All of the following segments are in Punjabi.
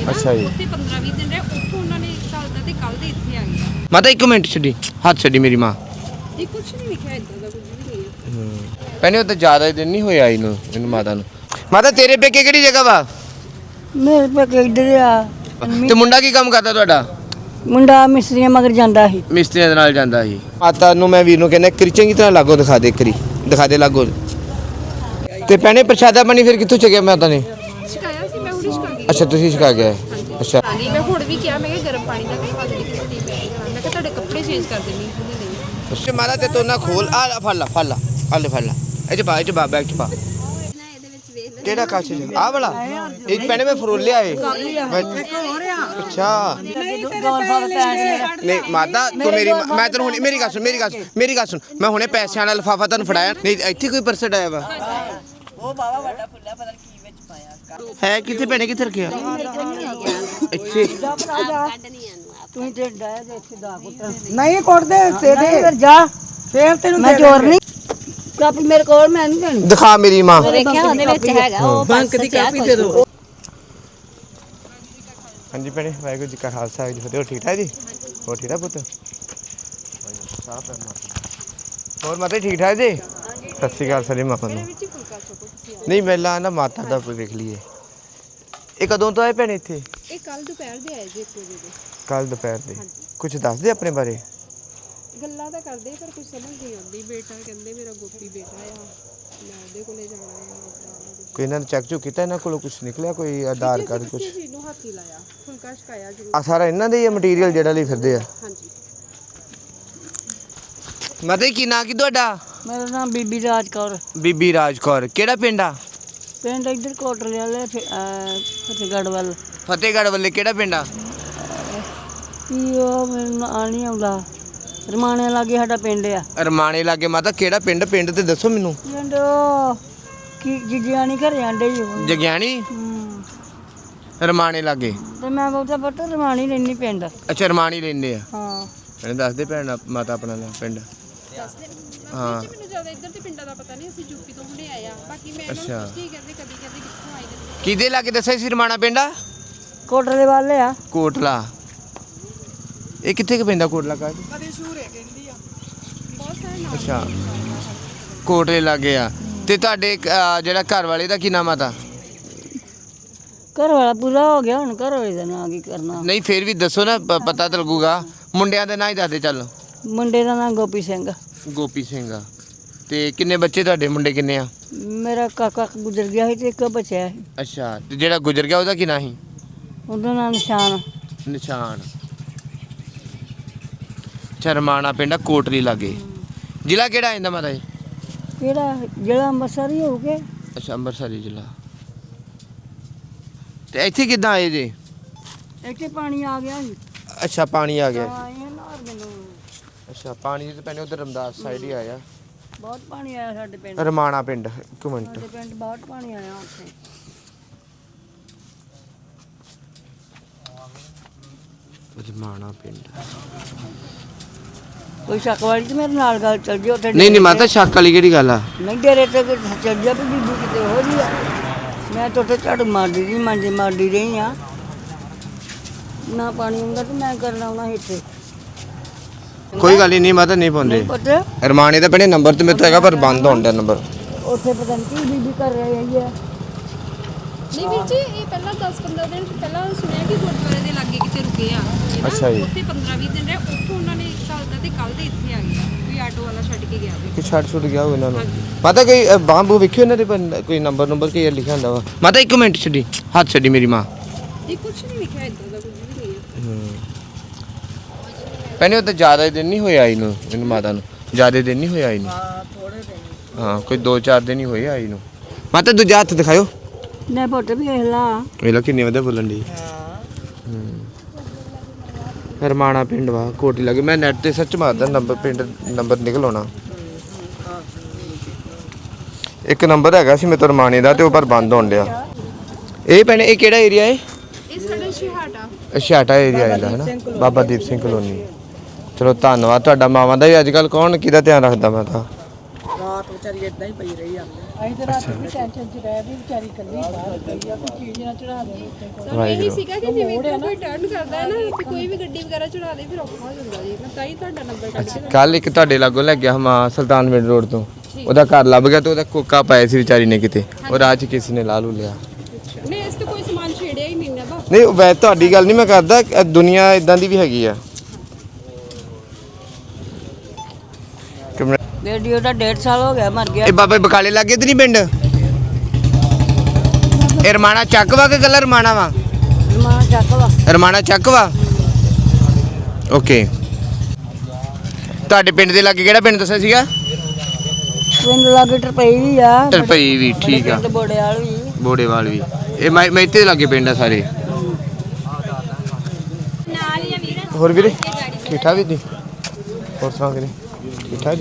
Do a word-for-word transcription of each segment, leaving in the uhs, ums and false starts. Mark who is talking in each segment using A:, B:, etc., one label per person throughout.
A: ਅੱਛਾ ਜੀ।
B: ਉੱਥੇ ਪੰਦਰਾਂ ਵੀਹ ਦਿਨ ਰਹੇ, ਉੱਥੋਂ ਉਹਨਾਂ ਨੇ ਚੱਲਦਾ ਤੇ ਕੱਲ ਦੇ ਇੱਥੇ ਆ ਗਏ।
A: ਮਾਤਾ ਇੱਕ ਮਿੰਟ ਛੱਡੀ, ਹੱਥ ਛੱਡੀ ਮੇਰੀ ਮਾਂ।
B: ਇਹ ਕੁਛ ਨਹੀਂ ਲਿਖਿਆ ਇਦਾਂ ਦਾ, ਕੁਝ ਵੀ ਨਹੀਂ ਹੈ।
A: ਭੈਣੇ ਉਹ ਤਾਂ ਜ਼ਿਆਦਾ ਦਿਨ ਨਹੀਂ ਹੋਇਆ ਇਹਨੂੰ ਇਹਨੂੰ ਮਾਤਾ ਨੂੰ। ਮਾਤਾ ਤੇਰੇ ਪੇਕੇ ਕਿਹੜੀ ਜਗ੍ਹਾ ਵਾ?
C: ਮੇਰੇ ਪੇਕੇ ਇੱਧਰ ਆ।
A: ਤੇ ਮੁੰਡਾ ਕੀ ਕੰਮ ਕਰਦਾ ਤੁਹਾਡਾ?
C: ਮੁੰਡਾ ਮਿਸਤਰੀਆਂ ਮਗਰ ਜਾਂਦਾ ਸੀ।
A: ਮਿਸਤਰੀਆਂ ਦੇ ਨਾਲ ਜਾਂਦਾ ਸੀ। ਮਾਤਾ ਨੂੰ ਮੈਂ ਵੀਰ ਨੂੰ ਕਹਿੰਦਾ ਕਰੀ ਚੰਗੀ ਤਰ੍ਹਾਂ ਲਾਗੋ ਦਿਖਾ ਦੇ, ਕਰੀ ਦਿਖਾ ਦੇ ਲਾਗੋ। ਤੇ ਭੈਣੇ ਪ੍ਰਸ਼ਾਦਾ ਪਾਣੀ ਫਿਰ ਕਿੱਥੋਂ ਚੱਕਿਆ ਮਾਤਾ ਨੇ?
B: ਸ਼ਿਕਾਇਆ ਸੀ ਮੈਂ, ਹੁਣੇ ਸ਼ਿਕਾ ਗਈ।
A: ਅੱਛਾ ਤੁਸੀਂ ਛਕਾ ਗਿਆ। ਅੱਛਾ
B: ਹਾਂਜੀ, ਮੈਂ ਹੁਣ ਵੀ ਕਿਹਾ, ਮੈਂ ਕਿਹਾ ਗਰਮ ਪਾਣੀ ਦਾ ਕੋਈ ਹੱਲ ਨਹੀਂ ਕੀਤੀ ਪੈ ਮੈਂ ਕਿਹਾ ਤੁਹਾਡੇ ਕੱਪੜੇ ਚੇਂਜ ਕਰ ਦੇਣੀ ਨਹੀਂ।
A: ਅੱਛਾ ਮਾਤਾ ਤੇ ਤੋ ਨਾ ਖੋਲ ਆ ਫੜ ਲਾ ਫੜ ਲਾ ਆ ਲੈ ਫੜ ਲਾ ਇਹ ਚ ਪਾ ਇਹ ਚ ਪਾ ਬੈਗ ਚ ਪਾ। ਕਿਹੜਾ ਕਾਚ ਚ ਆ ਵਾਲਾ? ਇੱਕ ਭੈਣੇ ਮੈਂ ਫਰੋਲਿਆ ਏ। ਅੱਛਾ ਨਹੀਂ ਮਾਤਾ ਤੂੰ ਮੇਰੀ ਮੈਂ ਤੈਨੂੰ ਹੁਣੇ ਮੇਰੀ ਗੱਲ ਸੁਣ ਮੇਰੀ ਗੱਲ ਸੁਣ ਮੇਰੀ ਗੱਲ ਸੁਣ ਮੈਂ ਹੁਣੇ ਪੈਸਿਆਂ ਵਾਲਾ ਲਿਫਾਫਾ ਤੁਹਾਨੂੰ ਫੜਾਇਆ ਨਹੀਂ ਇੱਥੇ ਕੋਈ ਪਰਸ ਆਇਆ ਵਾ।
C: ਉਹ ਬਾਵਾ ਵੱਡਾ ਫੁੱਲਾ ਪਤਾ ਨਹੀਂ ਕੀ ਵਿੱਚ ਪਾਇਆ
A: ਹੈ ਕਿੱਥੇ ਭੈਣੇ ਕਿੱਥੇ ਰੱਖਿਆ? ਇੱਥੇ
C: ਤੂੰ ਤੇ ਡਾਇਆ ਦੇ ਇੱਥੇ ਦਾ ਪੁੱਤ ਨਹੀਂ ਕੁੱਟਦੇ ਤੇ ਦੇ ਫਿਰ ਜਾ ਫੇਰ ਤੈਨੂੰ ਮੈਂ ਚੋਰ ਨਹੀਂ ਕਾਪੀ ਮੇਰੇ ਕੋਲ ਮੈਂ ਨਹੀਂ ਦੇਣੀ।
A: ਦਿਖਾ ਮੇਰੀ ਮਾਂ।
B: ਦੇਖਿਆ ਉਹਦੇ ਵਿੱਚ ਹੈਗਾ ਉਹ
C: ਬੈਂਕ ਦੀ ਕਾਪੀ ਦੇ ਦਿਓ।
A: ਹਾਂਜੀ ਭੈਣੇ ਵਾਹਿਗੁਰੂ ਜੀ ਕਾ ਖਾਲਸਾ ਵਾਹਿਗੁਰੂ ਜੀ ਕੀ ਫਤਿਹ। ਠੀਕ ਠਾਕ ਜੀ? ਹੋਰ ਠੀਕ ਠਾਕ ਪੁੱਤ? ਹੋਰ ਮਾਤਾ ਠੀਕ ਠਾਕ ਜੀ? ਸਤਿ ਸ਼੍ਰੀ ਅਕਾਲ ਸਾਰੇ ਮਾਪਿਆਂ ਨੂੰ। ਨਹੀਂ ਪਹਿਲਾਂ ਨਾ ਮਾਤਾ ਦਾ ਕੋਈ ਵੇਖ ਲਈਏ। ਇਹ ਕਦੋਂ ਤੋਂ ਆਏ ਭੈਣੇ ਇੱਥੇ?
B: ਇਹ ਕੱਲ ਦੁਪਹਿਰ ਦੇ ਆਏ ਜੀ, ਇੱਕ ਵਜੇ ਦੇ।
A: ਕੱਲ ਦੁਪਹਿਰ ਦੇ। ਕੁਝ ਦੱਸਦੇ ਆਪਣੇ ਬਾਰੇ?
B: ਗੱਲਾਂ ਤਾਂ ਕਰਦੇ ਪਰ ਕੁਝ ਸਮਝ ਨਹੀਂ ਆਉਂਦੀ। ਬੇਟਾ ਕਹਿੰਦੇ ਮੇਰਾ ਗੋਪੀ ਬੇਟਾ ਆ, ਮੈਂ ਉਹਦੇ ਕੋਲੇ ਜਾਣਾ ਆ।
A: ਕੋਈ ਇਹਨਾਂ ਨੇ ਚੈੱਕ ਚੁੱਕ ਕੀਤਾ, ਇਹਨਾਂ ਕੋਲੋਂ ਕੁਝ ਨਿਕਲਿਆ? ਕੋਈ ਆਧਾਰ ਕਾਰਡ ਕੁਝ?
B: ਕਿਸੇ ਚੀਜ਼ ਨੂੰ ਹੱਥ ਹੀ ਲਾਇਆ, ਫੁਲਕਾ ਛਕਾਇਆ ਜ਼ਰੂਰ।
A: ਆ ਸਾਰਾ ਇਹਨਾਂ ਦੇ ਹੀ ਮਟੀਰੀਅਲ ਜਿਹੜਾ ਲਈ ਫਿਰਦੇ ਆ?
B: ਹਾਂਜੀ।
A: ਮਾਤਾ ਕੀ ਨਾਂ ਕੀ ਤੁਹਾਡਾ?
C: ਮੇਰਾ ਨਾਮ ਬੀਬੀ ਰਾਜ ਕੌਰ।
A: ਬੀਬੀ ਰਾਜ ਕੌਰ। ਕਿਹੜਾ ਪਿੰਡ ਆ?
C: ਪਿੰਡ ਇੱਧਰ ਕੋਟਲੇ ਵਾਲੇ ਫਤਿਹਗੜ੍ਹ ਵੱਲ।
A: ਫਤਿਹਗੜ੍ਹ ਵੱਲੇ ਕਿਹੜਾ ਪਿੰਡ ਆ?
C: ਕੀ ਉਹ ਮੈਨੂੰ ਨਾਂ ਨਹੀਂ ਆਉਂਦਾ। ਰਮਾਣੇ ਲਾਗੇ ਸਾਡਾ ਪਿੰਡ ਆ।
A: ਰਮਾਣੇ ਲਾਗੇ। ਮਾਤਾ ਕਿਹੜਾ ਪਿੰਡ? ਪਿੰਡ ਤੇ ਦੱਸੋ ਮੈਨੂੰ।
C: ਪਿੰਡ ਉਹ ਕੀ ਜਿਜਿਆਣੀ ਘਰੇ ਆਂਡੇ ਹੀ
A: ਜਗਿਆਣੀ।
C: ਹੂੰ
A: ਰਮਾਣੇ ਲਾਗੇ।
C: ਤੇ ਮੈਂ ਬਹੁਤਾ ਪੁੱਤ ਰਮਾਣੀ ਰਹਿੰਦੀ ਪਿੰਡ।
A: ਅੱਛਾ ਰਮਾਣੀ ਲੈਂਦੇ ਆ।
C: ਹਾਂ
A: ਇਹਨੇ ਦੱਸ ਦੇ ਭੈਣ ਮਾਤਾ ਆਪਣਾ ਨਾਂ ਪਿੰਡ। ਹਾਂ
B: ਮੈਨੂੰ ਜ਼ਿਆਦਾ ਇੱਧਰ ਦੇ ਪਿੰਡਾਂ ਦਾ ਪਤਾ ਨਹੀਂ, ਅਸੀਂ ਯੂਪੀ ਤੋਂ ਹੁਣੇ ਆਏ ਆ। ਬਾਕੀ ਮੈਂ ਇਹਨਾਂ ਨੂੰ ਪੁੱਛਦੀ ਕਹਿੰਦੇ ਕਦੀ ਕਹਿੰਦੇ ਕਿੱਥੋਂ ਆਏ ਨੇ।
A: ਕਿਹਦੇ ਲਾਗੇ ਦੱਸਿਆ ਸੀ ਰਮਾਣਾ ਪਿੰਡ ਆ?
C: ਕੋਟਲੇ ਵਾਲੇ ਆ।
A: ਕੋਟਲਾ। ਇਹ ਕਿੱਥੇ ਕੁ ਪੈਂਦਾ ਕੋਟਲਾ ਕਾ? ਅੱਛਾ ਕੋਟਲੇ ਲਾਗੇ ਆ। ਤੇ ਤੁਹਾਡੇ ਜਿਹੜਾ ਘਰ ਵਾਲੇ ਦਾ ਕੀ ਨਾਮ ਆ? ਤਾਂ
C: ਘਰ ਵਾਲਾ ਪੂਰਾ ਹੋ ਗਿਆ, ਹੁਣ ਘਰ ਵਾਲੇ ਦਾ ਨਾਂ ਕੀ ਕਰਨਾ।
A: ਨਹੀਂ ਫਿਰ ਵੀ ਦੱਸੋ ਨਾ, ਪ- ਪਤਾ ਤਾਂ ਲੱਗੂਗਾ। ਮੁੰਡਿਆਂ ਦੇ ਨਾਂ ਹੀ ਦੱਸ ਦੇ ਚੱਲ।
C: ਮੁੰਡੇ ਦਾ ਨਾਂ ਗੋਪੀ ਸਿੰਘ।
A: ਗੋਪੀ ਸਿੰਘ ਆ। ਤੇ ਕਿੰਨੇ ਬੱਚੇ ਤੁਹਾਡੇ? ਮੁੰਡੇ ਕਿੰਨੇ ਆ?
C: ਮੇਰਾ ਕਾਕਾ ਗੁਜ਼ਰ ਗਿਆ ਸੀ ਤੇ ਇੱਕ ਬਚਿਆ ਸੀ।
A: ਅੱਛਾ ਤੇ ਜਿਹੜਾ ਗੁਜ਼ਰ ਗਿਆ ਉਹਦਾ ਕੀ ਨਾਂ ਸੀ?
C: ਉਹਦਾ ਨਾਂ ਨਿਸ਼ਾਨ।
A: ਨਿਸ਼ਾਨ। ਅੱਛਾ ਰਮਾਣਾ ਪਿੰਡ ਆ ਕੋਟਲੀ ਲਾਗੇ। ਜ਼ਿਲ੍ਹਾ ਕਿਹੜਾ ਆਂਦਾ ਮਾਤਾ ਜੀ?
C: ਕਿਹੜਾ ਜਿਹੜਾ ਅੰਮ੍ਰਿਤਸਰ ਹੀ ਹੋਊਗੇ।
A: ਅੱਛਾ ਅੰਮ੍ਰਿਤਸਰੀ ਜ਼ਿਲ੍ਹਾ। ਤੇ ਇੱਥੇ ਕਿੱਦਾਂ ਆਏ ਜੇ?
C: ਇੱਥੇ ਪਾਣੀ ਆ ਗਿਆ ਸੀ।
A: ਅੱਛਾ ਪਾਣੀ ਆ ਗਿਆ।
C: ਹਾਂ ਇਹ ਨਾ ਮੈਨੂੰ
A: ਅੱਛਾ ਪਾਣੀ ਤੇ ਪੈਣੇ ਉਧਰ ਰਮਦਾਸ ਸਾਈਡ ਹੀ ਆਇਆ।
C: ਬਹੁਤ ਪਾਣੀ ਆਇਆ ਸਾਡੇ ਪਿੰਡ।
A: ਰਮਾਣਾ ਪਿੰਡ। ਇੱਕ ਮਿੰਟ।
C: ਸਾਡੇ ਪਿੰਡ ਬਹੁਤ ਪਾਣੀ ਆਇਆ ਉੱਥੇ।
A: ਰਮਾਣਾ ਪਿੰਡ।
C: ਕੋਈ ਸ਼ੱਕ ਵਾਲੀ ਤੇ ਮੇਰੇ ਨਾਲ ਗੱਲ ਚੱਲ ਜੀ ਉੱਥੇ।
A: ਨਹੀਂ ਨਹੀਂ ਮਾਤਾ ਸ਼ੱਕ ਵਾਲੀ ਕਿਹੜੀ ਗੱਲ ਆ?
C: ਨਹੀਂ ਡੇਰੇ ਤੇ ਚੱਲ ਜਾ ਵੀ ਬੀਬੀ ਕਿਤੇ ਹੋ ਜੀ ਆ। ਮੈਂ ਤਾਂ ਉੱਥੇ ਝਾੜੂ ਮਾਰਦੀ ਰਹੀ, ਮਾਂਜੇ ਮਾਰਦੀ ਰਹੀ ਆ। ਨਾ ਪਾਣੀ ਆਉਂਦਾ ਤੇ ਮੈਂ ਕਰਨਾ ਆਉਣਾ ਇੱਥੇ।
A: ਕੋਈ ਗੱਲ ਹੀ ਨਹੀਂ ਮਾਤਾ ਨਹੀਂ ਪਾਉਂਦੇ।
C: ਪੁੱਤ
A: ਰਮਾਣੇ ਦਾ ਪੈਣੇ ਨੰਬਰ ਤੇ ਮੇਰੇ ਤੋਂ ਹੈਗਾ ਪਰ ਬੰਦ ਹੋਣ ਦਾ ਨੰਬਰ।
C: ਉੱਥੇ ਪਤਾ ਨਹੀਂ ਕੀ ਬੀਬੀ ਕਰ ਰਹੀ ਹੈ।
B: ਨਹੀਂ ਵੀਰ ਜੀ, ਇਹ ਪਹਿਲਾਂ ਦਸ ਪੰਦਰਾਂ ਦਿਨ ਪਹਿਲਾਂ ਸੁਣਿਆ ਕਿ ਗੁਰਦੁਆਰੇ ਦੇ ਲਾਗੇ ਕਿਤੇ ਰੁਕੇ ਆ। ਇਹ ਨਾ
A: ਅੱਛਾ ਜੀ।
B: ਉੱਥੇ ਪੰਦਰਾਂ ਵੀਹ ਦਿਨ ਰਹੇ, ਉੱਥੋਂ ਉਹਨਾਂ ਨੇ ਚੱਲਦਾ ਤੇ ਕੱਲ ਦੇ ਇੱਥੇ ਆ ਗਏ। ਕੋਈ ਆਟੋ ਵਾਲਾ ਛੱਡ ਕੇ ਗਿਆ ਵੇ।
A: ਕਿ ਛੱਡ ਛੁੱਟ ਗਿਆ ਹੋ ਇਹਨਾਂ ਨੂੰ। ਮਾਤਾ ਕੋਈ ਬਾਂਬੂ ਵੇਖਿਓ ਇਹਨਾਂ ਦੇ ਪਰ ਕੋਈ ਨੰਬਰ ਨੰਬਰ ਕੀ ਲਿਖਿਆ ਹੁੰਦਾ ਵਾ? ਮਾਤਾ ਇੱਕ ਮਿੰਟ ਛੱਡੀ, ਹੱਥ ਛੱਡੀ ਮੇਰੀ ਮਾਂ।
B: ਇਹ ਕੁਝ ਨਹੀਂ ਲਿਖਿਆ ਇਦਾਂ ਦਾ, ਕੁਝ ਵੀ ਨਹੀਂ ਹੈ।
A: ਪੈਣੇ ਉਹ ਤਾਂ ਜ਼ਿਆਦਾ ਦਿਨ ਨਹੀਂ ਹੋਇਆ ਇਹਨੂੰ ਇਹਨੂੰ ਮਾਤਾ ਨੂੰ। ਜ਼ਿਆਦਾ ਦਿਨ ਨਹੀਂ ਹੋਇਆ ਇਹਨੂੰ।
C: ਹਾਂ ਥੋੜੇ ਦਿਨ।
A: ਹਾਂ ਕੋਈ ਦੋ ਚਾਰ ਦਿਨ ਹੀ ਹੋਏ ਆਈ ਨੂੰ। ਮਾਤਾ ਦੂਜਾ ਹੱਥ ਦਿਖਾਇਓ।
C: ਨੇ ਪੁੱਤ ਵੀ ਵੇਖ ਲਾ।
A: ਵੇਖ ਲਓ ਕਿੰਨੀ ਵਧੀਆ ਬੋਲਣ ਦੀ।
C: ਹਾਂ
A: ਰਮਾਣਾ ਪਿੰਡ ਵਾ ਕੋਟੀ ਲੱਗੇ। ਮੈਂ ਨੈਟ ਤੇ ਸਰਚ ਮਾਰਦਾ ਨੰਬਰ ਪਿੰਡ ਨੰਬਰ ਨਿਕਲ ਆਉਣਾ। ਇੱਕ ਨੰਬਰ ਹੈਗਾ ਸੀ ਮੇਰੇ ਤੋਂ ਰਮਾਣੇ ਦਾ ਤੇ ਉਹ ਪਰ ਬੰਦ ਹੋਣ ਡਿਆ। ਇਹ ਭੈਣੇ ਇਹ ਕਿਹੜਾ ਏਰੀਆ ਹੈ?
B: ਇਹ ਸਾਡਾ ਸ਼ਿਹਾਟਾ।
A: ਛਾਟਾ ਏਰੀਆ ਆਉਂਦਾ ਹੈ ਨਾ, ਬਾਬਾ ਦੀਪ ਸਿੰਘ ਕਲੋਨੀ। ਚਲੋ ਧੰਨਵਾਦ ਤੁਹਾਡਾ। ਮਾਵਾਂ ਦਾ ਵੀ ਅੱਜ ਕੱਲ੍ਹ ਕੌਣ ਕਿਹਦਾ ਧਿਆਨ ਰੱਖਦਾ? ਮੈਂ ਤਾਂ
C: ਰਾਤ
D: ਰਾਤ ਵਿਚਾਰੀ ਇਦਾਂ ਹੀ ਪਈ ਰਹੀ ਆ
B: ਅਸੀਂ ਤੇ ਰਾਤ ਵੀ ਟੈਨਸ਼ਨ ਚ ਰਹਿ ਵੀ ਵਿਚਾਰੀ ਇਕੱਲੀ ਬਾਹਰ ਪਈ ਆ ਕੋਈ ਚੀਜ਼ ਨਾ ਚੜਾ ਦੇ ਉੱਤੇ ਕੋਈ
E: ਸਾਨੂੰ ਇਹੀ ਸੀਗਾ ਕਿ ਜਿਵੇਂ ਕੋਈ ਟਰਨ ਕਰਦਾ ਹੈ ਨਾ ਕਿ ਕੋਈ ਵੀ ਗੱਡੀ ਵਗੈਰਾ ਚੜਾ ਦੇ ਫਿਰ ਔਖਾ ਹੋ ਜਾਂਦਾ ਜੀ ਮੈਂ ਤਾਂ ਹੀ ਤੁਹਾਡਾ ਨੰਬਰ ਕੱਢ ਕੇ
A: ਕੱਲ ਇੱਕ ਤੁਹਾਡੇ ਲਾਗੋਂ ਲੈ ਗਿਆ ਮਾਂ ਸੁਲਤਾਨ ਮਿੰਟ ਰੋਡ ਤੋਂ ਉਹਦਾ ਘਰ ਲੱਭ ਗਿਆ ਤੇ ਉਹਦਾ ਕੋਕਾ ਪਾਇਆ ਸੀ ਵਿਚਾਰੀ ਨੇ ਕਿਤੇ ਉਹ ਰਾਹ 'ਚ ਕਿਸੇ ਨੇ ਲਾ ਲੂ ਲਿਆ।
E: ਨਹੀਂ ਇਸ ਤੇ ਕੋਈ ਸਮਾਨ ਛੇੜਿਆ ਹੀ ਨਹੀਂ ਨਾ ਬਾ
A: ਨਹੀਂ ਵੈ ਤੁਹਾਡੀ ਗੱਲ ਨਹੀਂ ਮੈਂ ਕਰਦਾ ਅ, ਦੁਨੀਆ ਇਦਾਂ ਦੀ ਵੀ ਹੈਗੀ ਆ।
C: ਬੇਟੀ ਉਹਦਾ ਡੇਢ ਸਾਲ ਹੋ ਗਿਆ ਮਰ ਗਿਆ।
A: ਇਹ ਬਾਬੇ ਬਕਾਲੇ ਲੱਗੇ ਤੇ ਨਹੀਂ ਪਿੰਡ ਇਹ ਰਮਾਣਾ ਚੱਕ ਵਾ ਕਿ ਗੱਲਾਂ ਰਮਾਣਾ ਵਾ
C: ਮਾਂ ਚੱਕ ਵਾ
A: ਰਮਾਣਾ ਚੱਕ ਵਾ ਓਕੇ। ਤੁਹਾਡੇ ਪਿੰਡ ਦੇ ਲਾਗੇ ਕਿਹੜਾ ਪਿੰਡ ਦੱਸਿਆ ਸੀਗਾ?
C: ਪਿੰਡ ਲਾਗੇ ਟਰਪਈ ਵੀ ਆ
A: ਟਰਪਈ ਵੀ ਠੀਕ ਆ
C: ਪਿੰਡ ਬੋੜੇਵਾਲ ਵੀ
A: ਬੋੜੇਵਾਲ ਵੀ ਇਹ ਮੈਂ ਮੈਂ ਇੱਥੇ ਲਾਗੇ ਪਿੰਡ ਆ ਸਾਰੇ।
E: ਨਾਲ ਹੀ ਆ ਵੀਰ
A: ਹੋਰ ਵੀਰੇ ਠੀਕ ਠਾਕ ਜੀ ਹੋਰ ਸੁਣਾ ਵੀਰੇ ਠੀਕ ਠਾਕ ਜੀ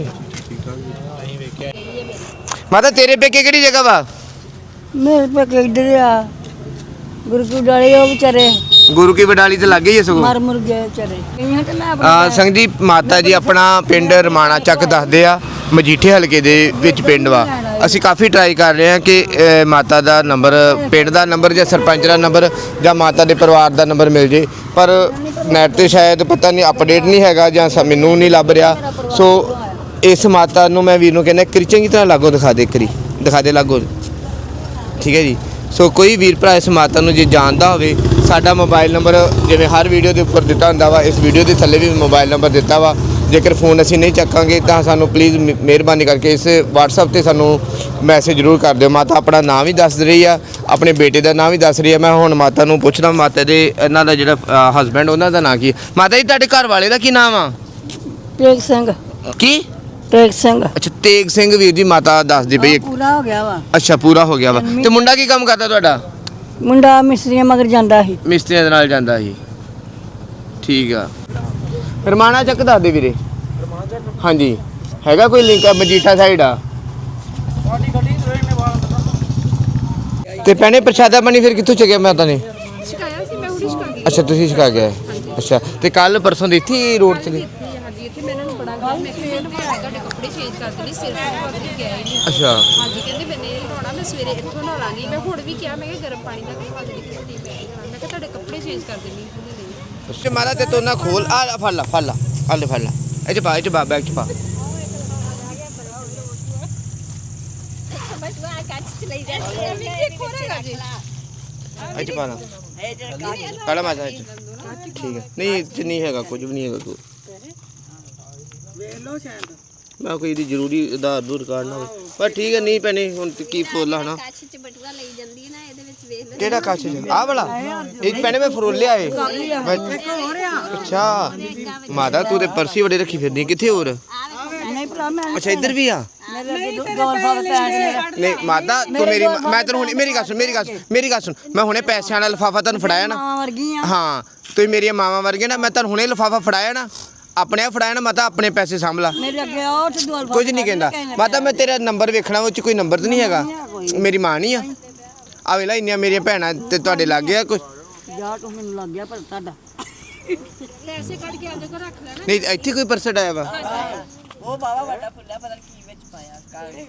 A: ਮਾਤਾ ਤੇਰੇ ਪੇਕੇ ਕਿਹੜੀ ਜਗ੍ਹਾ ਵਾ?
C: ਮੇਰੇ ਪੇਕੇ ਇੱਧਰ ਆ ਗੁਰਕੂ ਡਾਲੇ ਉਹ ਵਿਚਾਰੇ
A: ਗੁਰੂ ਕੀ ਬਡਾਲੀ ਤੇ ਲੱਗੇ ਹੀ ਆ ਸਗੋਂ।
C: ਮਰ ਮੁਰ ਗਏ ਵਿਚਾਰੇ ਕਈਆਂ ਤੇ ਮੈਂ
A: ਆ ਸੰਗ ਜੀ ਮਾਤਾ ਜੀ ਆਪਣਾ ਪਿੰਡ ਰਮਾਣਾ ਚੱਕ ਦੱਸਦੇ ਆ ਮਜੀਠੇ ਹਲਕੇ ਦੇ ਵਿੱਚ ਪਿੰਡ ਵਾ। ਅਸੀਂ ਕਾਫੀ ਟਰਾਈ ਕਰ ਰਹੇ ਹਾਂ ਕਿ ਅ, ਮਾਤਾ ਦਾ ਨੰਬਰ ਪਿੰਡ ਦਾ ਨੰਬਰ ਜਾਂ ਸਰਪੰਚ ਦਾ ਨੰਬਰ ਜਾਂ ਮਾਤਾ ਦੇ ਪਰਿਵਾਰ ਦਾ ਨੰਬਰ ਮਿਲ ਜੇ ਪਰ ਨੈਟ ਤੇ ਸ਼ਾਇਦ ਪਤਾ ਨਹੀਂ ਅਪਡੇਟ ਨਹੀਂ ਹੈਗਾ ਜਾਂ ਸ- ਮੈਨੂੰ ਨਹੀਂ ਲੱਭ ਰਿਹਾ। ਸੋ ਇਸ ਮਾਤਾ ਨੂੰ ਮੈਂ ਵੀਰ ਨੂੰ ਕਹਿੰਦਾ ਕਿ ਚੰਗੀ ਤਰ੍ਹਾਂ ਲਾਗੋ ਦਿਖਾ ਦੇ ਕਰੀ ਦਿਖਾ ਦੇ ਲਾਗੋ ਠੀਕ ਹੈ ਜੀ। ਸੋ ਕੋਈ ਵੀਰ ਭਰਾ ਇਸ ਮਾਤਾ ਨੂੰ ਜੇ ਜਾਣਦਾ ਹੋਵੇ ਸਾਡਾ ਮੋਬਾਈਲ ਨੰਬਰ ਜਿਵੇਂ ਹਰ ਵੀਡੀਓ ਦੇ ਉੱਪਰ ਦਿੱਤਾ ਹੁੰਦਾ ਵਾ ਇਸ ਵੀਡੀਓ ਦੇ ਥੱਲੇ ਵੀ ਮੋਬਾਈਲ ਨੰਬਰ ਦਿੱਤਾ ਵਾ। ਜੇਕਰ ਫੋਨ ਅਸੀਂ ਨਹੀਂ ਚੱਕਾਂਗੇ ਤਾਂ ਸਾਨੂੰ ਪਲੀਜ਼ ਮਿਹਰਬਾਨੀ ਕਰਕੇ ਇਸ WhatsApp ਤੇ ਸਾਨੂੰ ਮੈਸੇਜ ਜ਼ਰੂਰ ਕਰ ਦਿਓ। ਮਾਤਾ ਆਪਣਾ ਨਾਮ ਵੀ ਦੱਸ ਰਹੀ ਆ ਆਪਣੇ ਬੇਟੇ ਦਾ ਨਾਮ ਵੀ ਦੱਸ ਰਹੀ ਆ। ਮੈਂ ਹੁਣ ਮਾਤਾ ਨੂੰ ਪੁੱਛਣਾ ਮਾਤਾ ਦੇ ਇਹਨਾਂ ਦਾ ਜਿਹੜਾ ਹਸਬੈਂਡ ਉਹਨਾਂ ਦਾ ਨਾਂ ਕੀ ਹੈ? ਮਾਤਾ ਜੀ ਤੁਹਾਡੇ ਘਰ ਵਾਲੇ ਦਾ ਕੀ ਨਾਮ ਆ?
C: ਟੇਕ ਸਿੰਘ
A: ਕੀ
C: ਟੇਕ ਸਿੰਘ
A: ਅੱਛਾ ਤੇਗ ਸਿੰਘ ਵੀਰ ਜੀ ਮਾਤਾ ਦੱਸਦੀ ਪਈ।
C: ਪੂਰਾ ਹੋ ਗਿਆ ਵਾ
A: ਅੱਛਾ ਪੂਰਾ ਹੋ ਗਿਆ ਵਾ ਤੇ ਮੁੰਡਾ ਕੀ ਕੰਮ ਕਰਦਾ ਤੁਹਾਡਾ?
C: ਮੁੰਡਾ ਮਿਸਤਰੀਆਂ ਮਗਰ ਜਾਂਦਾ ਸੀ
A: ਮਿਸਤਰੀਆਂ ਦੇ ਨਾਲ ਜਾਂਦਾ ਸੀ ਠੀਕ ਆ। ਰਮਾਣਾ ਚੱਕ ਦੱਸ ਦੇ ਵੀਰੇ ਹਾਂਜੀ ਹੈਗਾ ਕੋਈ ਲਿੰਕ ਮਜੀਠਾ ਸਾਈਡ ਆ ਤੇ ਭੈਣੇ ਪ੍ਰਸ਼ਾਦਾ ਪਾਣੀ ਫਿਰ ਕਿੱਥੋਂ ਚੱਕਿਆ ਮਾਤਾ ਨੇ?
E: ਸ਼ਿਕਾਇਆ ਸੀ ਮੈਂ ਹੁਣੀ ਸ਼ਿਕਾ ਗਈ
A: ਅੱਛਾ ਤੁਸੀਂ ਛਕਾ ਗਏ ਅੱਛਾ ਤੇ ਕੱਲ ਪਰਸੋਂ ਦੀ ਇੱਥੇ ਰੋਡ ਤੇ
E: ਹਾਂਜੀ ਇੱਥੇ ਮੈਂ ਇਹਨਾਂ ਨੂੰ ਬੜਾ ਗੱਲ ਮੈਂ ਕਿਹਾ ਮੈਨੂੰ ਤੁਹਾਡੇ ਕੱਪੜੇ ਚੇਂਜ ਕਰ ਦੇਣੇ ਸਿਰ ਤੇ ਪਾ ਕੇ ਗਿਆ ਹੀ ਨਹੀਂ
A: ਅੱਛਾ
E: ਹਾਂਜੀ ਕਹਿੰਦੇ ਮੈਨੇ ਇਹ ਨਹਾਉਣਾ ਮੈਂ ਸਵੇਰੇ ਇੱਥੋਂ ਨਹਾ ਲਾਂਗੀ ਮੈਂ ਹੁਣ ਵੀ ਕਿਹਾ ਮੈਂ ਕਿ ਗਰਮ ਪਾਣੀ ਨਾਲ ਨਹਾ ਦੇਣੀ ਕਿ ਨਹੀਂ ਮੈਂ ਕਿਹਾ ਤੁਹਾਡੇ ਕੱਪੜੇ ਚੇਂਜ ਕਰ ਦੇਣੀ ਉਹਨੇ ਨਹੀਂ
A: ਅੱਛਾ ਮਾਤਾ ਤੇ ਤੋ ਨਾ ਖੋਲ ਆ ਫੜ ਲਾ ਫੜ ਲਾ ਆ ਲੈ ਫੜ ਲਾ ਇਹ ਚ ਪਾ ਇਹ ਚ ਪਾ ਬੈਗ ਚ ਪਾ ਇਹ ਚ ਪਾ ਲਾ ਕਾਲਾ ਮਾਤਾ ਇਹ 'ਚ। ਠੀਕ ਹੈ ਨਹੀਂ ਇਹ 'ਚ ਨਹੀਂ ਹੈਗਾ ਕੁਝ ਵੀ ਨਹੀਂ ਹੈਗਾ ਕੋਈ
D: ਵੇਖ ਲਓ ਸ਼ਾਇਦ
A: ਮੈਂ ਕੋਈ ਇਹਦੀ ਜ਼ਰੂਰੀ ਆਧਾਰ ਦੂਰ ਕਾਰਡ ਨਾ ਹੋਵੇ ਪਰ ਠੀਕ ਹੈ ਨਹੀਂ ਪੈਣੇ ਹੁਣ ਤੇ ਕੀ ਫੋਲਾ ਹਨਾ
E: ਕੱਚ ਚ ਬਟੂਆ ਲਈ ਜਾਂਦੀ ਹੈ ਨਾ ਇਹਦੇ ਵਿੱਚ ਵੇਖ ਲਓ
A: ਕਿਹੜਾ ਕੱਚ ਚ ਆਹ ਵਾਲਾ ਇਹ ਪੈਣੇ ਮੈਂ ਫਰੋਲਿਆ ਏ ਅੱਛਾ ਮਾਤਾ ਤੂੰ ਤੇ ਪਰਸੀ ਬੜੇ ਰੱਖੀ ਫਿਰਦੀ ਕਿੱਥੇ ਹੋਰ
C: ਨਹੀਂ ਭਰਾ ਮੈਂ
A: ਅੱਛਾ ਇੱਧਰ ਵੀ ਆ
C: ਮੇਰੇ ਅੱਗੇ ਗੋਲ ਫੜ ਪੈਣ
A: ਨਹੀਂ ਮਾਤਾ ਤੂੰ ਮੇਰੀ ਮੈਂ ਤੈਨੂੰ ਹੁਣ ਮੇਰੀ ਗੱਲ ਸੁਣ ਮੇਰੀ ਗੱਲ ਸੁਣ ਮੇਰੀ ਗੱਲ ਸੁਣ ਮੈਂ ਹੁਣੇ ਪੈਸਿਆਂ ਵਾਲਾ ਲਿਫਾਫਾ ਤੁਹਾਨੂੰ ਫੜਾਇਆ ਨਾ
C: ਮਾਂ ਵਰਗੀ ਆ
A: ਹਾਂ ਤੁਸੀਂ ਮੇਰੀਆਂ ਮਾਵਾਂ ਵਰਗੇ ਨਾ ਮੈਂ ਤੁਹਾਨੂੰ ਹੁਣੇ ਲਿਫਾਫਾ ਫੜਾਇਆ ਨਾ ਆਪਣੇ ਆਪ ਫੜਾਇਆ ਨਾ ਮਾਤਾ ਆਪਣੇ ਪੈਸੇ ਸਾਂਭ ਲਾ
C: ਮੇਰੇ ਅੱਗੇ ਉਹ ਤੇ ਗੋਲ
A: ਕੁਝ ਨਹੀਂ ਕਹਿੰਦਾ ਮਾਤਾ ਮੈਂ ਤੇਰਾ ਨੰਬਰ ਵੇਖਣਾ ਉਹ ਚ ਕੋਈ ਨੰਬਰ ਤਾਂ ਨਹੀਂ ਹੈਗਾ ਮੇਰੀ ਮਾਂ ਨਹੀਂ ਆ ਆ ਵੇਲਾ ਇੰਨੀਆਂ ਮੇਰੀਆਂ ਭੈਣਾਂ ਤੇ ਤੁਹਾਡੇ ਲੱਗ ਗਿਆ ਕੁਝ
C: ਜਾ ਤੂੰ ਮੈਨੂੰ ਲੱਗ ਗਿਆ ਪਰ ਤੁਹਾਡਾ
E: ਪੈਸੇ ਕੱਢ ਕੇ ਆਦੇ ਕੋ ਰੱਖ ਲੈਣਾ
A: ਨਹੀਂ ਇੱਥੇ ਕੋਈ ਪਰਸਟ ਆਇਆ ਵਾ
D: ਉਹ ਬਾਵਾ ਵੱਡਾ ਫੁੱਲਾ ਪਤਾ ਨੀ ਕੀ ਵਿੱਚ ਪਾਇਆ ਕਾਲੇ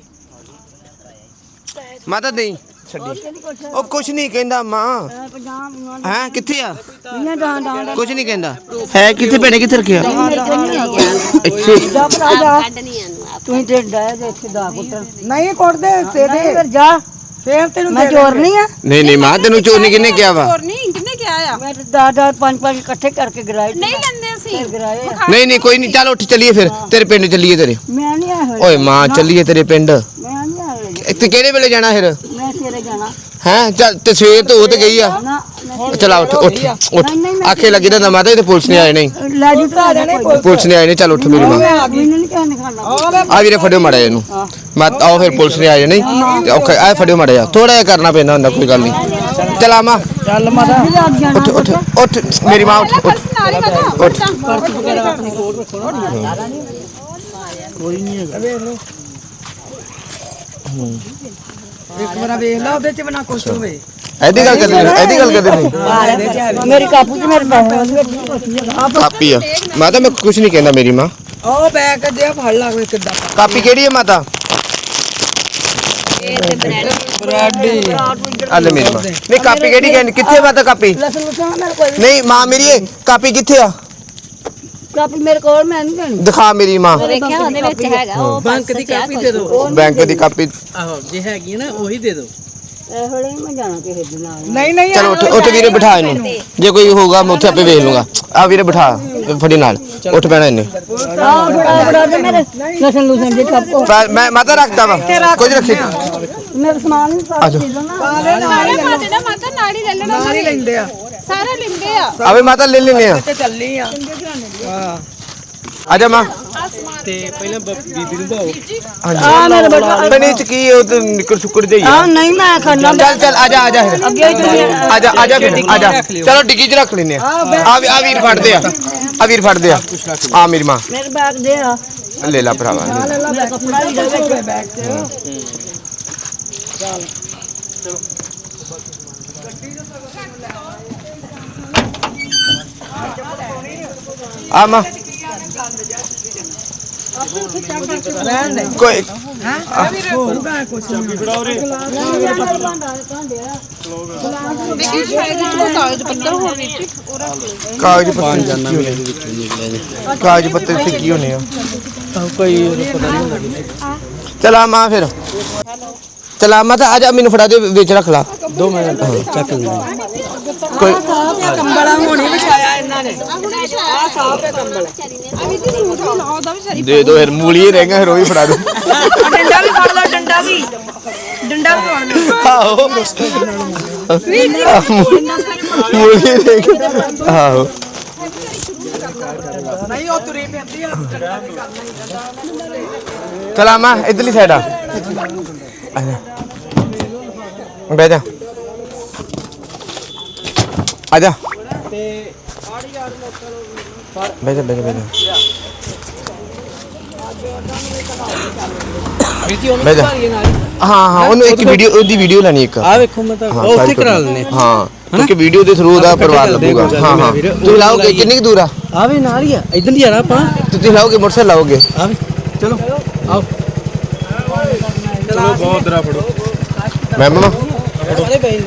A: ਮਾਤਾ ਨਹੀਂ ਛੱਡੀ ਉਹ ਕੁਝ ਨਹੀਂ ਕਹਿੰਦਾ ਮਾਂ
C: ਪੰਜਾਬ
A: ਹੈ ਕਿੱਥੇ ਆ
C: ਦੀਆਂ ਡਾਂ ਡਾਂ
A: ਕੁਝ ਨਹੀਂ ਕਹਿੰਦਾ ਹੈ ਕਿੱਥੇ ਭੈਣੇ ਕਿੱਥੇ ਰੱਖਿਆ ਇੱਥੇ
C: ਜਾ ਭਰਾ ਜਾ
E: ਕੱਢ ਨਹੀਂ ਆਨੂੰ
C: ਤੂੰ ਤੇ ਡਾਇਆ ਦੇ ਇੱਥੇ ਦਾ ਕੁੱਟਣ
D: ਨਹੀਂ ਕੁੱਟਦੇ ਤੇਰੇ
C: ਫਿਰ ਜਾ
D: ਫੇਰ ਤੈਨੂੰ
C: ਮੈਂ ਚੋਰ ਨਹੀਂ ਆ
A: ਨਹੀਂ ਨਹੀਂ ਮਾਂ ਤੈਨੂੰ ਚੋਰ ਨਹੀਂ ਕਿਹਨੇ ਕਿਹਾ ਵਾ
E: ਹੋਰ ਨਹੀਂ ਕਿੰਨੇ ਕਿਹਾ ਆ
C: ਮੈਂ ਤੇ ਦਾ ਦਾ ਪੰਜ ਪੰਜ ਇਕੱਠੇ ਕਰਕੇ ਗਰਾਏ
E: ਨਹੀਂ ਲੈਂਦੇ ਅਸੀਂ
C: ਗਰਾਏ
A: ਨਹੀਂ ਨਹੀਂ ਕੋਈ ਨਹੀਂ ਚੱਲ ਉੱਠ ਚੱਲੀਏ ਫਿਰ ਤੇਰੇ ਪਿੰਡ ਚੱਲੀਏ ਤੇਰੇ
C: ਮੈਂ ਨਹੀਂ ਆਇਆ
A: ਓਏ ਮਾਂ ਚੱਲੀਏ ਤੇਰੇ ਪਿੰਡ
C: ਮੈਂ ਨਹੀਂ ਆਇਆ
A: ਇੱਥੇ ਕਿਹੜੇ ਵੇਲੇ ਜਾਣਾ ਫਿਰ
C: ਮੈਂ ਸਵੇਰੇ ਜਾਣਾ
A: ਹੈ ਚੱਲ ਤੇ ਸਵੇਰ ਤੋਂ ਉਹ ਤੇ ਗਈ ਆ
C: ਨਾ ਮੈਂ
A: ਚਲਾ ਉੱਠ ਉੱਠ ਉੱਠ ਆਖੇ ਲੱਗੀ ਤਾਂ ਮਾਤਾ ਤੇ ਪੁਲਿਸ ਨੇ ਆਏ ਨਹੀਂ
C: ਲੈ ਜੂ ਭਰਾ ਜਾਣੇ
A: ਪੁਲਿਸ ਨੇ ਆਏ ਨੇ ਚੱਲ ਉੱਠ ਮੇਰੀ ਮਾਂ
C: ਮੈਨੂੰ ਨਹੀਂ ਕਹਿਣ ਖਾਣਾ
A: ਆ ਵੀਰੇ ਫੜਿਓ ਮਾੜਾ ਇਹਨੂੰ ਮੈਂ ਆਓ ਫਿਰ ਪੁਲਿਸ ਨੇ ਆਏ ਨਹੀਂ ਤੇ ਔਖਾ ਆ ਫੜਿਓ ਮਾੜਾ ਜਾ ਥੋੜਾ ਜਿਹਾ ਕਰਨਾ ਪੈਂਦਾ ਹੁੰਦਾ ਕੋਈ ਗੱਲ ਨਹੀਂ ਚਲ ਆ ਮਾਂ
D: ਚੱਲ ਮਾਤਾ
A: ਉੱਠ ਉੱਠ ਉੱਠ ਮੇਰੀ ਮਾਂ ਉੱਠ ਉੱਠ
E: ਨਾਲ ਹੀ ਕਰੋ
A: ਉੱਠ
D: ਪਰਸ ਵਗੈਰਾ ਆਪਣੀ ਕੋਲ ਰੱਖੋ ਨਾ ਕੋਈ ਨਹੀਂ ਹੈਗਾ ਵੇਖ ਲਓ ਇੱਕ ਵਾਰ ਵੇਖ ਲਾ ਉਹਦੇ ਚ ਬਣਾ ਕੁਛ ਹੋਵੇ
A: ਐਦੀ ਗੱਲ ਕਰਦੇ ਨੇ ਐਦੀ ਗੱਲ ਕਰਦੇ ਨੇ
C: ਮੇਰੀ ਕਾਪੂ ਚ ਮੇਰੇ ਪੈਸੇ
A: ਕਾਪੀ ਆ ਮਾਤਾ ਮੈਂ ਕੁਝ ਨਹੀਂ ਕਹਿੰਦਾ ਮੇਰੀ ਮਾਂ
D: ਉਹ ਬੈਗ ਕੱਢਿਆ ਫੜ ਲਾ ਕੋਈ ਕਿੱਦਾਂ
A: ਕਾਪੀ ਕਿਹੜੀ ਹੈ ਮਾਤਾ ਆ ਲੈ ਮੇਰੀ ਮਾਂ ਨਹੀਂ ਕਾਪੀ ਕਿਹੜੀ ਕਹਿੰਦੀ ਕਿੱਥੇ ਮਾਤਾ ਕਾਪੀ
C: ਲਸਣ ਲਸਣ ਮੇਰੇ ਕੋਲ
A: ਨਹੀਂ ਮਾਂ ਮੇਰੀ ਇਹ ਕਾਪੀ ਕਿੱਥੇ ਆ
C: ਕਾਪੀ ਮੇਰੇ ਕੋਲ ਮੈਂ ਨਹੀਂ ਦੇਣੀ
A: ਦਿਖਾ ਮੇਰੀ ਮਾਂ
E: ਦੇਖਿਆ ਉਹਦੇ ਵਿੱਚ ਹੈਗਾ ਉਹ
D: ਬੈਂਕ ਦੀ ਕਾਪੀ ਦੇ ਦਿਓ
A: ਬੈਂਕ ਦੀ ਕਾਪੀ
D: ਆਹੋ ਜੇ ਹੈਗੀ ਹੈ ਨਾ ਉਹੀ ਦੇ ਦਿਓ
C: ਇਹ ਵੇਲੇ ਮੈਂ ਜਾਣਾ ਕਿਸੇ ਦੇ ਨਾਲ
D: ਨਹੀਂ ਨਹੀਂ
A: ਚਲੋ ਉੱਥੇ ਉੱਥੇ ਵੀਰੇ ਬਿਠਾ ਇਹਨੂੰ ਜੇ ਕੋਈ ਹੋਊਗਾ ਮੈਂ ਉੱਥੇ ਆਪੇ ਵੇਖ ਲੂੰਗਾ ਆ ਵੀਰੇ ਬਿਠਾ ਫੜੀ ਨਾਲ ਉੱਠ ਪੈਣਾ ਇਹਨੇ
C: ਆਹ ਬੜਾ ਬੜਾ ਤੇ ਮੇਰੇ ਲਸਣ ਲੁਸਣ ਦੇ ਸਭ ਕੋ
A: ਪਰ ਮੈਂ ਮਾਤਾ ਰੱਖਦਾ ਵਾ ਕੁਝ ਰੱਖੀ
C: ਮੇਰੇ ਸਮਾਨ ਨਹੀਂ ਸਾਫ ਦੇ ਦੋ ਨਾ
E: ਸਾਰਾ ਮਾਤੇ ਦਾ ਮਾਤਾ ਨਾਲ ਹੀ ਲੈ ਲੈਣਾ ਨਾਲ ਹੀ ਲੈਂਦੇ ਆ ਸਾਰਾ ਲੈਂਦੇ ਆ
A: ਆਵੇ ਮਾਤਾ ਲੈ ਲੈਨੇ ਆ
D: ਤੇ ਚੱਲੀ ਆ ਹਾਂ
A: ਆਜਾ ਮਾਂ
D: ਤੇ ਪਹਿਲਾਂ ਬ- ਬੀਬੀ ਨੂੰ ਭਾਓ
C: ਆ ਮੇਰੇ ਬੇਟਾ
A: ਬਣੀ ਚ ਕੀ ਉਹ ਤੇ ਨਿਕਰ ਸੁੱਕੜ ਜਾਈ
C: ਆ ਨਹੀਂ ਮੈਂ ਖਾਣਾ
A: ਚੱਲ ਚੱਲ ਆਜਾ ਆਜਾ ਫਿਰ
C: ਅੱਗੇ ਹੀ
A: ਆਜਾ ਆਜਾ ਫਿਰ ਆਜਾ ਚਲੋ ਡਿੱਗੀ ਚ ਰੱਖ ਲੈਨੇ ਆ ਆ ਵੀ- ਆ ਵੀਰ ਫੜਦੇ ਆ ਆ ਵੀਰ ਫੜਦੇ ਆ ਆ ਮੇਰੀ ਮਾਂ
C: ਮੇਰੇ ਬੈਗ ਦੇ ਆ
A: ਲੈ ਲਾ ਭਰਾਵਾ
C: ਲੈ ਲਾ ਮੈਂ ਕੱਪੜਾ ਹੀ ਦੇ ਵਿੱਚ ਬੈਗ ਤੇ
A: ਆ ਮਾਂ ਕੋਈ
E: ਦੇਖੀ ਸ਼ਾਇਦ ਇਹ ਕਾਗਜ਼ ਪੱਤਰ ਹੋਣ ਵਿੱਚ
A: ਕਾਗਜ਼ ਪੱਤਰ ਕੀ ਹੋਣੇ ਕਾਗਜ਼ ਪੱਤਰ ਤੇ ਕੀ ਹੋਣੇ ਆ
D: ਕੋਈ ਪਤਾ ਨਹੀਂ
A: ਚਲਾ ਮਾਂ ਫਿਰ ਚਲਾ ਮਾਂ ਤਾਂ ਆਜਾ ਮੈਨੂੰ ਫੜਾ ਦੇ ਵਿੱਚ ਰੱਖ ਲਾ
D: ਦੋ ਮਿੰਟ ਚੱਕ ਲੈ
A: ਕੋਈ
D: ਕੰਬਲਾ ਹੋਣੀ ਵਿਛਾਇਆ ਇਹਨਾਂ ਨੇ
E: ਆ ਸਾਫ ਹੈ ਕੰਬਲ ਆ ਵੀ ਤੇ ਸੂਟ ਵੀ ਲਾਓ ਦਾ ਵੀ ਸਾਰੀ
A: ਦੇ ਦੋ ਫਿਰ ਮੂਲੀ ਰਹੇਗਾ ਫਿਰ ਉਹ ਵੀ ਫੜਾ ਦੋ
E: ਡੰਡਾ ਵੀ ਫੜ ਲਓ ਡੰਡਾ ਵੀ ਡੰਡਾ ਵੀ ਫੜ
A: ਆਹੋ ਮੂਲੀ ਰਹੇਗਾ ਆਹੋ
D: ਨਹੀਂ ਉਹ ਤੁਰੀ ਪੈਂਦੀ ਆ
A: ਚਲਾ ਮਾਂ ਇਧਰਲੀ ਸਾਈਡ ਆ ਆਜਾ ਬਹਿ ਜਾ ਆਜਾ ਬਹਿ ਜਾ ਬਹਿ ਜਾ ਬਹਿ ਜਾ ਬਹਿ ਜਾ ਹਾਂ ਹਾਂ ਉਹਨੂੰ ਇੱਕ ਵੀਡੀਓ ਉਹਦੀ ਵੀਡੀਓ ਲੈਣੀ ਇੱਕ
D: ਆ ਵੇਖੋ ਮੈਂ ਤਾਂ
A: ਹਾਂ,
D: ਉਹ ਉੱਥੇ
A: ਸਾਰੀ
D: ਕਰਾ ਲੈਣੇ
A: ਹਾਂ ਕਿਉਂਕਿ ਵੀਡੀਓ ਦੇ ਥਰੂ ਉਹਦਾ ਪਰਿਵਾਰ ਲੱਗੂਗਾ ਹਾਂ ਹਾਂ ਤੁਸੀਂ ਲਾਓਗੇ ਕਿੰਨੀ ਕੁ ਦੂਰ ਆ
D: ਆ ਵੀ ਨਾਲ ਹੀ ਆ ਇਧਰ ਹੀ ਜਾਣਾ ਆਪਾਂ
A: ਤੁਸੀਂ ਲਾਓਗੇ ਮੋਟਰਸਾਈਕਲ ਲਾਓਗੇ
D: ਆ ਵੀ ਚਲੋ ਆਓ ਚਲੋ ਬਹੁਤ ਦਰਾ ਫੜੋ
A: ਮੈਂ ਮਮਾ
D: ਸਾਰੇ ਬਈ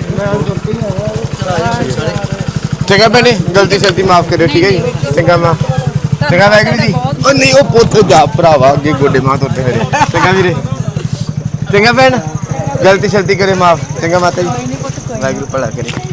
A: ਚੰਗਾ ਭੈਣੇ ਗਲਤੀ ਸ਼ਲਤੀ ਮਾਫ ਕਰਿਓ ਠੀਕ ਹੈ ਜੀ ਚੰਗਾ ਮਾਂ ਚੰਗਾ ਵਾਹਿਗੁਰੂ ਜੀ ਉਹ ਨਹੀਂ ਉਹ ਪੁੱਤ ਜਾ ਭਰਾਵਾ ਅੱਗੇ ਗੋਡੇ ਮਾਂ ਤੋਤੇ ਮੇਰੇ ਚੰਗਾ ਵੀਰੇ ਚੰਗਾ ਭੈਣ ਗਲਤੀ ਸ਼ਲਤੀ ਕਰੇ ਮਾਫ ਚੰਗਾ ਮਾਤਾ ਜੀ ਵਾਹਿਗੁਰੂ ਭਲਾ ਕਰੇ